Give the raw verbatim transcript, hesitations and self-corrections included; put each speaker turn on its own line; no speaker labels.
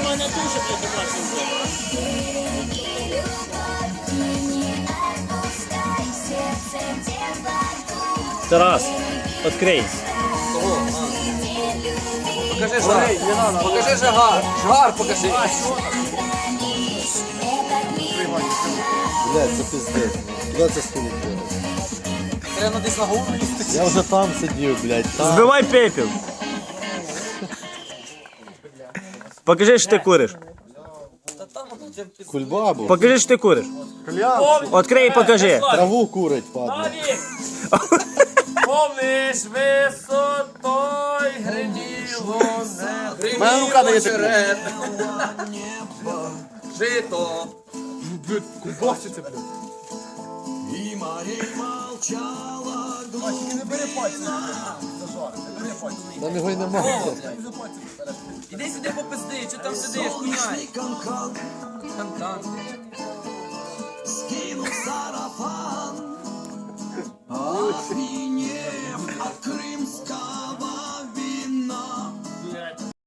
мене дуже для домашніх зробив. Тарас, відкрий.
Кого? А. Покажи жар. Покажи жар. Жар покажи.
Блядь, це пиздець. Куди це скинуть?
Треба десь на голову їсти.
Я вже там сидів, блядь, там.
Збивай пепел. Покажи, що ти куриш.
Та там воно тебе під...
Кульбабу.
Покажи, що ти куриш. Відкрий і покажи.
Траву курить, падла.
Помниш висотой гриніло небо.
Моя рука дає черед. Жито.
Кубаситься, блядь.
Там його й немає.
Іди сюди попизди, що там сидиш, куняй. Кан-кан.